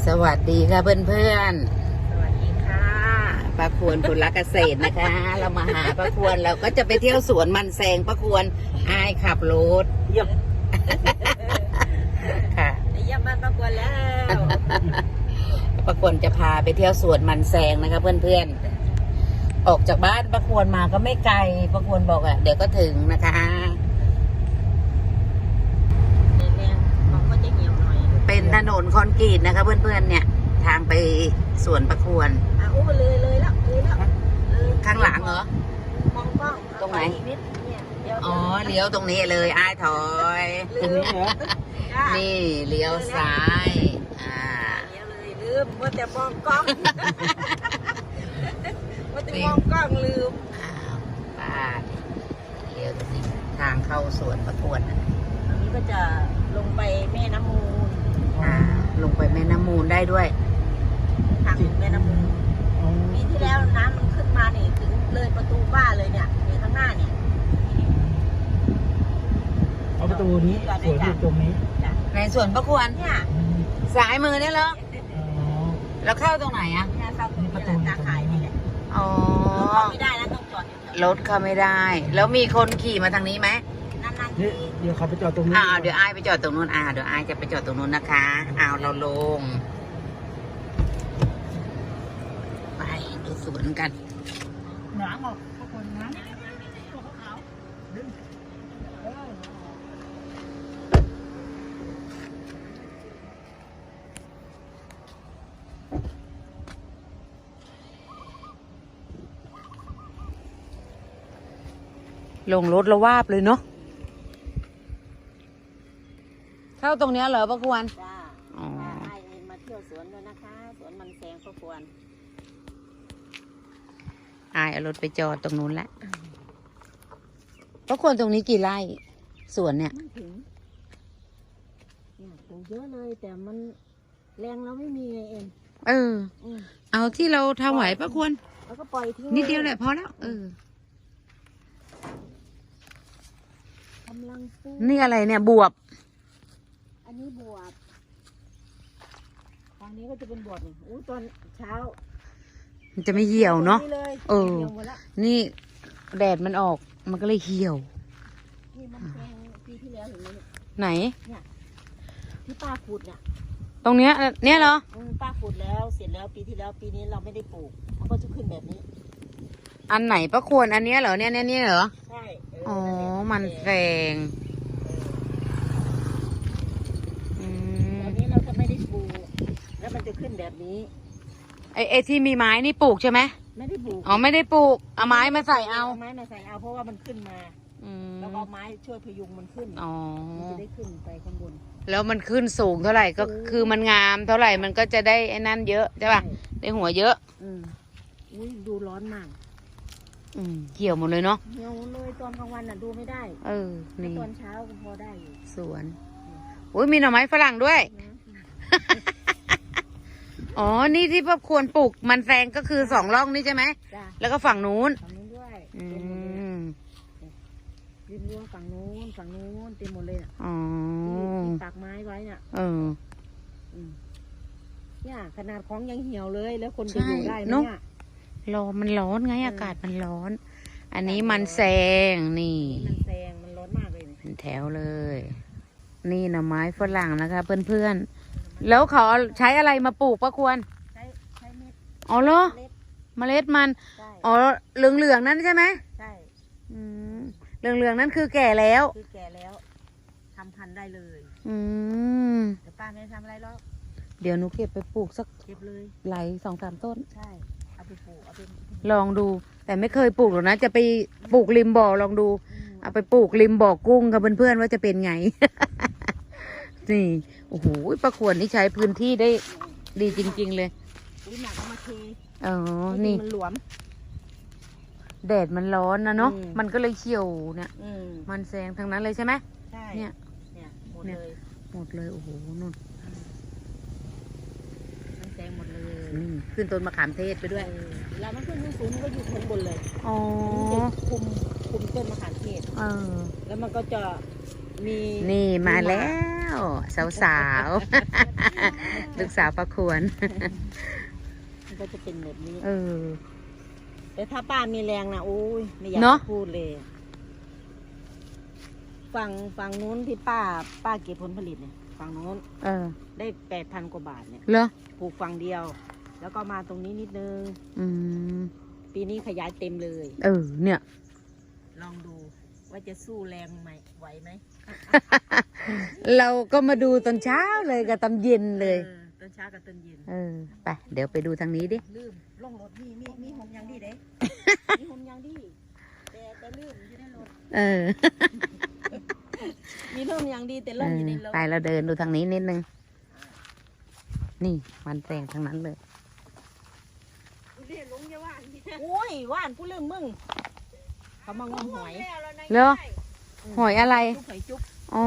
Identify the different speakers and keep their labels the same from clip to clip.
Speaker 1: สวัสดีค่ะเพื่อน
Speaker 2: สวัสดีค่ะ
Speaker 1: ๆป้าควรผลเกษตรนะคะ เรามาหาป้าควรเราก็จะไปเที่ยวสวนมันแซงป้าควรอายขับรถ
Speaker 2: เยี่ยม
Speaker 1: ค่ะ
Speaker 2: เยี่ยมบ้านประกวนแล้ว
Speaker 1: ป้าควรจะพาไปเที่ยวสวนมันแซงนะคะเพื่อนๆออกจากบ้านป้าควรมาก็ไม่ไกลป้าควรบอกเดี๋ยวก็ถึงนะคะ
Speaker 2: แรงมันก็จะเหี่ยวหน่อย
Speaker 1: เป็นถนนคอนกรีตนะคะเพื่อนๆเนี่ยทางไปสวนป้าควร
Speaker 2: อู้เลยแล้วเลย
Speaker 1: ข้างหลังเหรอ
Speaker 2: มองกล้อง
Speaker 1: ตรงไหน
Speaker 2: นิดเนี่ยเดี๋ยว
Speaker 1: อ๋อเลี้ยวตรงนี้เลยอ้ายถอย
Speaker 2: ตรงนี้เหรอนี่
Speaker 1: นี่เลี้ยวซ้าย
Speaker 2: เดี๋ยวเลยลืมว่าแต่มองกล้องว่าแต่มองกล้องลืม
Speaker 1: อ้าวป้าเลี้ยวตรงนี้ทางเข้าสวนประกวดนะ
Speaker 2: อันนี้ก็จะลงไปแม่น้ำมูล
Speaker 1: ลงไปแม่น้ำมูลได้ด้วย
Speaker 2: ทางแม่น้ำมูลปีที่แล้วน้ำมันขึ้นมาเนี่ยถึงเลยประตูบ้านเลยเนี่ยข้างหน้าเนี่ย
Speaker 3: เอาประตูนี้สวนอยู่ตรงนี้
Speaker 1: ในสวนประกวด
Speaker 2: เนี่ย
Speaker 1: สายมือเนี่ยเหรอ
Speaker 3: อ๋อ
Speaker 1: แล้วเข้าตรงไหนอ่ะ
Speaker 2: เนี่ยเข้าประตูตาขายนี่แหละ
Speaker 1: อ๋อ
Speaker 2: เข้าไม่ได้นะต้องจอดอยู่แถว
Speaker 1: รถเข้าไม่ได้ แล้วมีคนขี่มาทางนี้ไหม
Speaker 2: นานๆ
Speaker 3: เดี๋
Speaker 2: ที
Speaker 3: ยวเดี๋ยวเขาไปจอดตรงนี้
Speaker 1: เดี๋ยวอ้ายไปจอดตรงนู้นเดี๋ยวอ้ายจะไปจอดตรงนู้นนะคะเราลงไปดูสวนกัน
Speaker 3: หนาออกทุกคนนะตัวขาวดึง
Speaker 1: ลงรถแล้ววาบเลยเนาะเข้าตรงเนี้ยเหรอป้าควร
Speaker 2: จ้า
Speaker 1: อ๋อ
Speaker 2: ให้มาเที่ยวสวนด้วยนะคะ สวนมันแสงก็ควร
Speaker 1: อายเอารถไปจอดตรงนู้นแหละป้าควรตรงนี้กี่ไร่สวนเนี่ย
Speaker 2: ไม่ถึงเนี่ยปลูกเยอะเลยแต่มันแรงเราไม่มีไงเอง
Speaker 1: เออ เอาที่เราทำไหวป้าควร
Speaker 2: แล้วก็ปล่อยทิ้ง
Speaker 1: นิดเดียวแหละพอแล้ว
Speaker 2: กำลังปลูก
Speaker 1: นี่อะไรเนี่ยบวบ
Speaker 2: อันนี้บวบฝั่งนี้ก็จะเป็นบวบนี่ตอนเช้า
Speaker 1: มันจะไม่เหี่ยวเนาะ
Speaker 2: เลย
Speaker 1: เออ
Speaker 2: หี่ยวหมดละ
Speaker 1: นี่แดดมันออกมันก็เลยเหี่ยว
Speaker 2: นี่มันแพงปีที่แล้วเห็นไหมเนี่ย
Speaker 1: ไหน
Speaker 2: ที่ป้าขุดเนี่ย
Speaker 1: ตรงเนี้ยเนี่ยเหรอ
Speaker 2: ป้าขุดแล้วเสร็จแล้วปีที่แล้วปีนี้เราไม่ได้ปลูกมันก็จะขึ้นแบบนี้
Speaker 1: อันไหนป้าควรอันเนี้ยเหรอเนี่ยเหรอ
Speaker 2: ใช่
Speaker 1: อ๋อมันแฝงอืม
Speaker 2: ตอนนี้เราจะไม่ได้ปลูกแล้วมันจะขึ้นแบบนี้
Speaker 1: ไอ้ที่มีไม้นี่ปลูกใช่ไหม
Speaker 2: ไม่ได้ปลูก
Speaker 1: อ๋อไม่ได้ปลูกเอาไม้มาใส่เอา
Speaker 2: ไม้มาใส่เอาเพราะว่ามันขึ้นมา
Speaker 1: อืม
Speaker 2: แล้วก็เอาไม้ช่วยพยุงมันขึ้น
Speaker 1: อ๋อ
Speaker 2: มันจะได้ขึ้นไปข้างบน
Speaker 1: แล้วมันขึ้นสูงเท่าไหร่ก็คือมันงามเท่าไหร่มันก็จะได้ไอ้นั่นเยอะใช่ป่ะได้หัวเยอะ
Speaker 2: อุ้ยดูร้อนมาก
Speaker 1: เหี่ยวหมดเลยเนาะ
Speaker 2: เหี่ยวเลยตอนกลางวันน่ะดูไม่ได้
Speaker 1: นี่
Speaker 2: ตอนเช้าก็พอได้อยู่
Speaker 1: สวนอุ้ยมีหน่อไม้ฝรั่งด้วย
Speaker 2: นะ
Speaker 1: อ๋อนี่ที่พ่อควรปลูกมันแซงก็คือ2 ร่องนี่ใช่ไหม
Speaker 2: จ้ะ
Speaker 1: แล้วก็ฝั่งนู้น
Speaker 2: ฝั่งนู้นด้วย
Speaker 1: อื
Speaker 2: เต็มหมดเลย
Speaker 1: ม
Speaker 2: ริมรั้วฝั่งนู้นเต็มหมดเลยน่ะ
Speaker 1: อ๋อ
Speaker 2: ที่ปักไม้ไว้น่ะ อืมเนี่ยขนาดของยังเหี่ยวเลยแล้วคนจะอยู่ได้ไหมเนี่ย
Speaker 1: มันร้อนไงอากาศมันร้อน อันนี้มันแซงนี่
Speaker 2: มันแซงมันร้อนมากเลยเนี่ย
Speaker 1: เป็นแถวเลย นี่หน่อไม้ฝรั่งนะคะเพื่อนๆแล้วเขาใช้อะไรมาปลูกป้าควร
Speaker 2: ใช้เม็ด
Speaker 1: อ๋อเหรอ
Speaker 2: เล็ด
Speaker 1: เมล็ดมัน
Speaker 2: ใช่
Speaker 1: อ๋อเหลืองๆนั่นใช่ไหม
Speaker 2: ใช่
Speaker 1: เหลืองๆนั่นคือแก่แล้ว
Speaker 2: คือแก่แล้วทำพันธุ์ได้เลย
Speaker 1: อืม
Speaker 2: แต่ป้าไม่ได้ทำอะไรหรอก
Speaker 1: เดี๋ยวหนูเก็บไปปลูกสัก
Speaker 2: เก็บเลย
Speaker 1: ไหล2-3 ต้น
Speaker 2: ใช่เอาไปปลูกเอาไป
Speaker 1: ลองดู แต่ไม่เคยปลูกหรอกนะ จะไปปลูกริมบ่อลองดู เอาไปปลูกริมบ่อกุ้งกับเพื่อนๆว่าจะเป็นไง นี่โอ้โหป้าควรนี่ใช้พื้นที่ได้ดีจริงๆเลย
Speaker 2: อุ้ยหนักเอามาเท
Speaker 1: อ๋อ
Speaker 2: ให้
Speaker 1: นี่
Speaker 2: มันหลวม
Speaker 1: แดดมันร้อนนะเนาะ
Speaker 2: อืม
Speaker 1: มันก็เลยเขียวเนี่ย
Speaker 2: อืม
Speaker 1: มันแซงทั้งนั้นเลยใช่ไหม
Speaker 2: ใช่
Speaker 1: เนี่ย
Speaker 2: เนี่ยหมด
Speaker 1: เนี่ย
Speaker 2: เลย
Speaker 1: หมดเลย โอ้โหนู่น
Speaker 2: มันแซงหมดเลย
Speaker 1: นี่ขึ้นต้นมะขามเทศไปด้วย
Speaker 2: เวลามันขึ้นสูงๆมันก็อยู่ข้างบนเลย
Speaker 1: อ๋อ
Speaker 2: มันจะคุมต้นมะขามเทศ แล้วมันก็จะมี
Speaker 1: นี่มาแล้ว สาวๆกสาวประควร
Speaker 2: มันก็จะเป็นแบบนี้
Speaker 1: เออ
Speaker 2: แต่ถ้าป้ามีแรงนะโอ้ยไม่อยาก
Speaker 1: เนอะ
Speaker 2: จะพูดเลยฝั่งนู้นที่ป้าเก็บผลผลิตเนี่ยฝั่งนู้น
Speaker 1: เออ
Speaker 2: ได้8,000 กว่าบาทเนี่ย
Speaker 1: เหรอ
Speaker 2: ปลูกฝั่งเดียว แล้วก็มาตรงนี้นิดนึง
Speaker 1: อืม
Speaker 2: ปีนี้ขยายเต็มเลย
Speaker 1: เออ เนี่ย
Speaker 2: ลองดูว่าจะสู้แรงไหมไหวไหม
Speaker 1: เราก็มาดูตอนเช้าเลยกับตอนเย็นเลย
Speaker 2: ตอนเช้ากับตอนเย็น
Speaker 1: เออ ไป เดี๋ยวไปดูทางนี้ดิ
Speaker 2: ลืมลงรถมีหอมยังดีเด้ มีหอมยังดีแต่ลืมอยู่ในรถ
Speaker 1: เออ
Speaker 2: มีหอมยังดีแต่
Speaker 1: เอ
Speaker 2: ล่ม
Speaker 1: อ
Speaker 2: อยู่ในรถ
Speaker 1: ไปเราเดินดูทางนี้นิดนึง นี่มันแสงทางนั้นเลย
Speaker 2: โอ้ยว่านผู้เรื่องมึงเขามางมหอย
Speaker 1: เหรอ หอยอะไร
Speaker 2: จุ๊บหอยจุ๊บ
Speaker 1: อ๋อ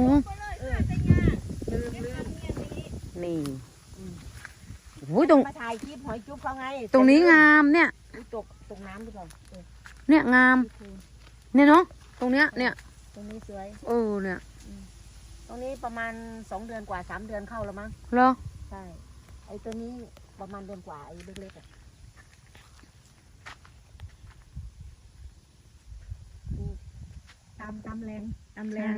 Speaker 2: ลืม
Speaker 1: นี่โอ้ยตรง
Speaker 2: มาถ่ายคลิปหอยจุ๊บเขาไง
Speaker 1: ตรงนี้งามเนี่ย
Speaker 2: อุ๊ยตกน้ำหรือเปล่า
Speaker 1: เนี่ยงาม เนี่ยเนาะ ตรงเนี้ย เนี่ย
Speaker 2: ตรงนี้สวย
Speaker 1: เออ เนี่ย
Speaker 2: ตรงนี้ประมาณ2 เดือนกว่า3 เดือนเข้าแล้วมั้ง
Speaker 1: เหรอ
Speaker 2: ใช่ ไอ้ตัวนี้ประมาณเดือนกว่าไอ้เล็กๆอ่ะตำแรงป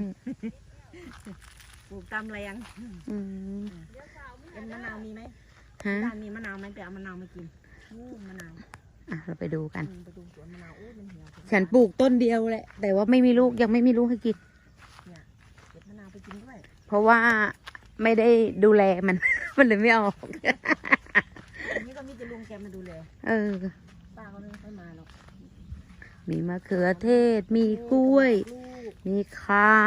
Speaker 2: ลูกตำแรง
Speaker 1: อืม
Speaker 2: เป็นมะนาวมีไหม
Speaker 1: ฮะ
Speaker 2: บ้านมีมะนาวไหมไปเอามะนาวมากินมะนาว
Speaker 1: อ่ะ เราไปดูกัน
Speaker 2: ไปดูสวนมะนาวมันเหี่ยว
Speaker 1: ฉันปลูกต้นเดียวแหละ แต่ว่าไม่มีลูก ยังไม่มีลูกให้กิน
Speaker 2: เนี่ยเก็บมะนาวไปกินด้วย
Speaker 1: เพราะว่าไม่ได้ดูแลมัน มันเลยไม่ออก
Speaker 2: อันนี้ก็มีแต่ลุงแกมาดูแล
Speaker 1: เออ
Speaker 2: ป้าเขาไม่ค่อยมาหรอก
Speaker 1: มีมะเขือเทศ มีกล้วย
Speaker 2: ลูก
Speaker 1: มีข่า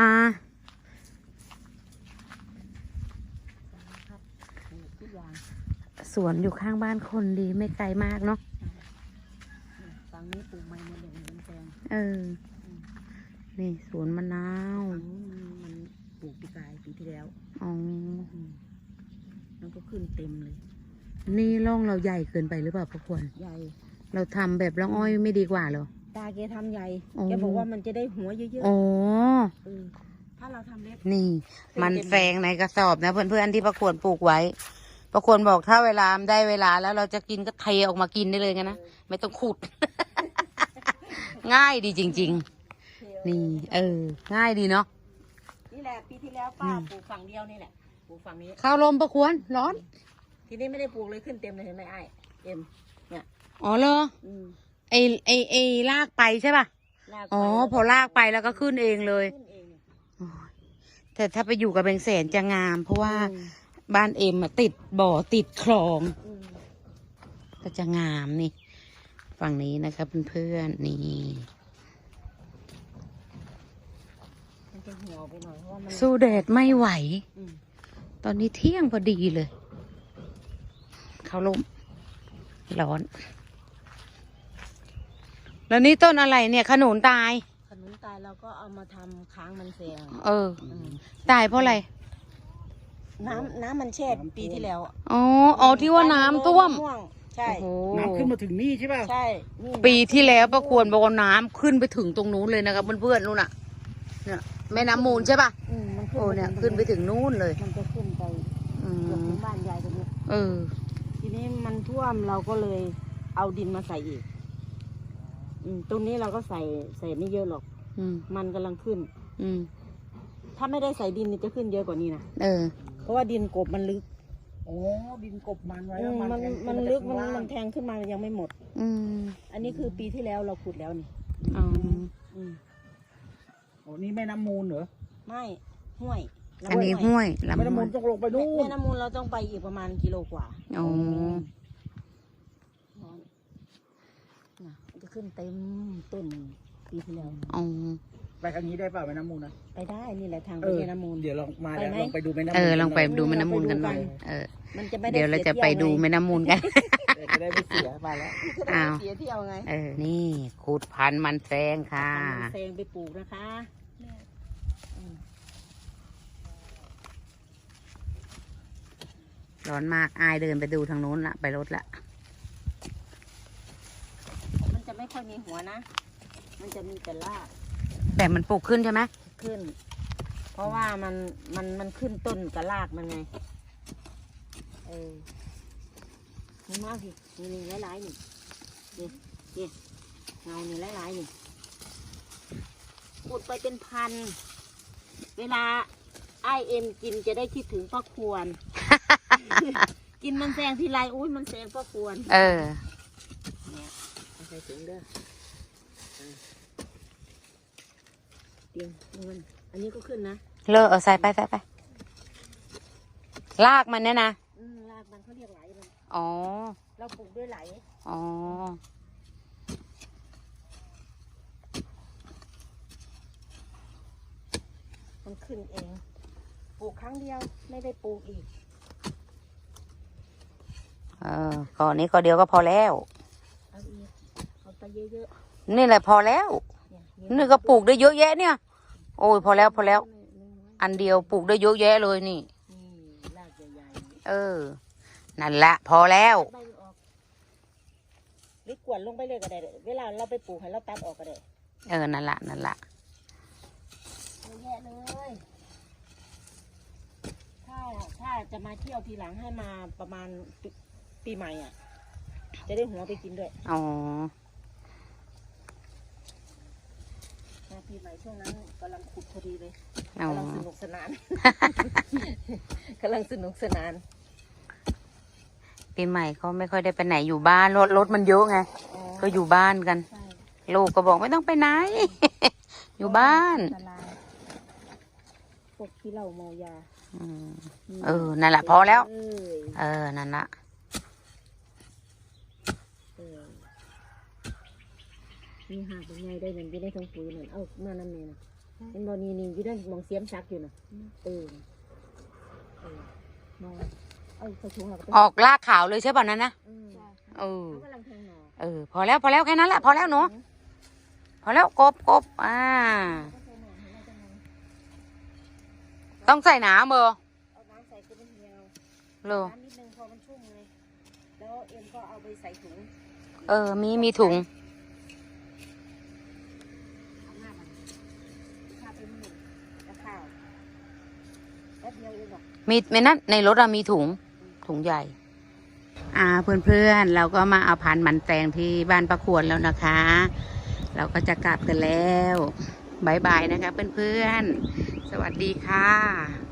Speaker 2: ครับปลูกทุกอย่าง
Speaker 1: สวนอยู่ข้างบ้านคนดีไม่ไกลมากเนาะ
Speaker 2: ฝั่งนี้ปลูกไม้หมดเลยมันแพง
Speaker 1: เออ นี่สวนมะนาว
Speaker 2: ฝั่งนู้นมันปลูกปีกายปีที่แล้ว
Speaker 1: อ๋อ
Speaker 2: มันก็ขึ้นเต็มเลย
Speaker 1: นี่ร่องเราใหญ่เกินไปหรือเปล่าพระควร
Speaker 2: ใหญ่
Speaker 1: เราทำแบบร่องอ้อยไม่ดีกว่าเหรอ
Speaker 2: ตาแกทำใหญ่
Speaker 1: อ๋อ
Speaker 2: แกบอกว่ามันจะได้หัวเยอะ
Speaker 1: อ๋อ
Speaker 2: ๆถ้าเราทำเล็ก
Speaker 1: นี่ มันแฝงในกระสอบนะเพื่อนๆที่ประควรปลูกไว้ ประควรบอกถ้าเวลาได้เวลาแล้วเราจะกินก็เทออกมากินได้เลยกันนะ ไม่ต้องขุด ง่ายดีจริง ๆ นี่ เออ ง่ายดีเนาะ
Speaker 2: นี่แหละปีที่แล้วป้าปลูกฝั่งเดียวนี่แหละปลูกฝั่งนี้
Speaker 1: ข้าวลมประควรร้อน
Speaker 2: ทีนี้ไม่ได้ปลูกเลยขึ้นเต็มเลยเห็นไหมไอ้เอ็มเนี่ย
Speaker 1: อ๋อเหรอ
Speaker 2: อืม
Speaker 1: ไอลากไปใช่ป่ะ
Speaker 2: ลากไป
Speaker 1: อ๋อ พอลากไปแล้วก็ขึ้นเองเลย
Speaker 2: ขึ้นเอง
Speaker 1: โอ้ยแต่ถ้าไปอยู่กับแบงแสนจะงาม เพราะว่า
Speaker 2: อืม
Speaker 1: บ้านเอ็มอะติดบ่อติดคลอง
Speaker 2: อืม
Speaker 1: ก็จะงามนี่ ฝั่งนี้นะครับเพื่อนๆนี่
Speaker 2: มันจะเหี่ยวไปหน่อยเพราะว่ามัน
Speaker 1: สู้แดดไม่ไหว
Speaker 2: อืม
Speaker 1: ตอนนี้เที่ยงพอดีเลย เขาลมร้อน แล้วนี่ต้นอะไรเนี่ย ขนุนตาย
Speaker 2: ขนุนตายเราก็เอามาทำค้างมันแซง
Speaker 1: เออ ตายเพราะอะไร
Speaker 2: น้ำมันแช่ปีที่แล้วอะ
Speaker 1: อ๋อ อ๋อที่ว่าน้ำท่วม
Speaker 2: ใช่
Speaker 1: โอ้โห
Speaker 3: น้ำขึ้นมาถึงนี่ใช่ป่ะ
Speaker 2: ใช่นี่
Speaker 1: ปีที่แล้วประควรบอกว่าน้ำขึ้นไปถึงตรงนู้นเลยนะครับเพื่อนๆนู่นน่ะ เนี่ยแม่น้ำมูลใช่ป่ะ
Speaker 2: มัน
Speaker 1: โอ้เนี่ยขึ้นไปถึงนู้นเลย
Speaker 2: มันจะขึ้นไป
Speaker 1: อื
Speaker 2: เกือบ
Speaker 1: ม
Speaker 2: ถึงบ้านยายตรงนี้
Speaker 1: เออ
Speaker 2: ทีนี้มันท่วมเราก็เลยเอาดินมาใส่อีก ตรงนี้เราก็ใส่ไม่เยอะหรอก
Speaker 1: อืม
Speaker 2: มันกำลังขึ้น
Speaker 1: อืม
Speaker 2: ถ้าไม่ได้ใส่ดินนี่จะขึ้นเยอะกว่านี้นะ
Speaker 1: เออ
Speaker 2: เพราะว่าดินกบมันลึก
Speaker 3: โอ้ดินกบมันไว้แล้ว
Speaker 2: มัน
Speaker 3: แทง
Speaker 2: มัน
Speaker 3: ขึ้า
Speaker 2: ลึก
Speaker 3: จากข้างล่าง
Speaker 2: มันแทงขึ้นมายังไม่หมด
Speaker 1: อืม
Speaker 2: อันนี้คือปีที่แล้วเราขุดแล้วนี่
Speaker 1: อ๋อ
Speaker 2: อืม
Speaker 3: โอ้นี่แม่น้ำมูลเหรอ
Speaker 2: ไม่ห้วย
Speaker 1: อันนี้ห้วยลำ
Speaker 3: แม่น้ำ
Speaker 1: ห้
Speaker 3: มู
Speaker 1: ว
Speaker 3: ล
Speaker 1: ย
Speaker 3: ต้องลงไปนู่
Speaker 2: แม่
Speaker 3: น
Speaker 2: น้ำมูลเราต้องไปอีกประมาณกิโลกว่า
Speaker 1: อ๋อ
Speaker 2: น่ะมันจะขึ้นเต็มต้นปีที่แล้ว
Speaker 1: อ๋อ
Speaker 3: ไปทางนี้ได้เปล่าแม่น้ำมูลนะ
Speaker 2: ไปได้นี่แหละทางไป
Speaker 3: เออ
Speaker 2: แม่น้ำมูล
Speaker 3: เดี๋ยวลองมาแล้ว
Speaker 2: ไปไหม
Speaker 3: ลองไปดูแม่น้ำมูล
Speaker 1: เออ ลองไป
Speaker 3: กันหน่ย
Speaker 1: ดูแม่น้ำมูลกันหน่อย เออ
Speaker 2: มันจะไม่ได้
Speaker 1: เดี๋ยวเราจะไปดูแม่น้ำมูลกัน
Speaker 3: เดี๋ยวจะได้ไม่เสียไปแล้ว
Speaker 1: อ้าว
Speaker 2: เสียเที่ยวไง
Speaker 1: เออ นี่ขุดพันธุ์มันแซงค่ะ
Speaker 2: ทำมันเซงไปปลูกนะคะ
Speaker 1: ร้อนมาก อายเดินไปดูทางนู้นละ ไปรถละ
Speaker 2: มันจะไม่ค่อยมีหัวนะ มันจะมีแต่ราก
Speaker 1: แต่มันปลูกขึ้นใช่ไหม
Speaker 2: ขึ้น เพราะว่ามันขึ้นต้นกับรากมันไงนี่มากสินี่หลายๆนี่นี่เงานี่หลายๆนี่ขุดไปเป็นพันเวลาไอเอ็มกินจะได้คิดถึงป้าควร กินมันแซงทีไรอุ้ยมันแซงป้าควรเนี่ยเอาใส่ถุงเด้อเตียงมันอันนี้ก็ขึ้นนะ
Speaker 1: เลอะเอาใส่ไปลากมันเนี่ยนะ
Speaker 2: รากมันเขาเรียกไหลมัน
Speaker 1: อ๋อ
Speaker 2: เราปลูกด้วยไหล
Speaker 1: อ๋อ
Speaker 2: มันขึ้นเองปลูกครั้งเดียวไม่ได้ปลูกอีก
Speaker 1: ก่อนนี้ก็เดียวก็พอแล้ว
Speaker 2: เอาอีกเอาไปเยอะ
Speaker 1: ๆนี่แหละพอแล้วนี่ก็ปลูกได้เยอะแยะเนี่ยโอ้ยพอแล้วอันเดียวปลูกได้เยอะแยะเลยนี่
Speaker 2: รากใหญ่
Speaker 1: นั่นแหละพอแล้ว
Speaker 2: ใบออกหรือกวนลงไปเลยก็ได้เวลาเราไปปลูกให้เราตัดออกก็ได้
Speaker 1: นั่นแหละ
Speaker 2: เยอะแยะเลยถ้าจะมาเที่ยวทีหลังให้มาประมาณปีใหม่อ่ะจะได้หัวไปกินด้วย
Speaker 1: อ๋อ
Speaker 2: มาปีใหม่ช่วงนั้นกำลังขุดพอดีเลยกำลังสนุกสนาน กำลังสนุกสนาน
Speaker 1: ปีใหม่เขาไม่ค่อยได้ไปไหนอยู่บ้านรถมันเยอะไงก็อยู่บ้านกันลูกก็บอกไม่ต้องไปไหน อยู่บ้าน
Speaker 2: พวกที่เราเมายา
Speaker 1: นั่นแหละพอแล้วนั่นละ
Speaker 2: นี่หากเป็นไงได้เงินอยู่ได้ทั้งปุ๋ยนั่นเอามานั่นเองนะเป็นบอนี่อยู่ได้มองเสียมซักอยู่นะมองใส่ถุงเรา
Speaker 1: ออกลากขาวเลยใช่ป่ะนั้นนะพอแล้วแค่นั้นแหละพอแล้วหนูพอแล้วกบต้องใส่น้ำ
Speaker 2: เอาน้ำใส่ก็ไม่เหี่ยวน้ำนิดนึงพอมันชุ่มเลยแล้วเอ็มก็เอาไปใส่ถุง
Speaker 1: มีถุงมีนั่นในรถมีถุงใหญ่เพื่อนๆเราก็มาเอาพันธุ์มันแตงที่บ้านประควรแล้วนะคะ เราก็จะกลับกันแล้วบายบายนะคะเพื่อนๆสวัสดีค่ะ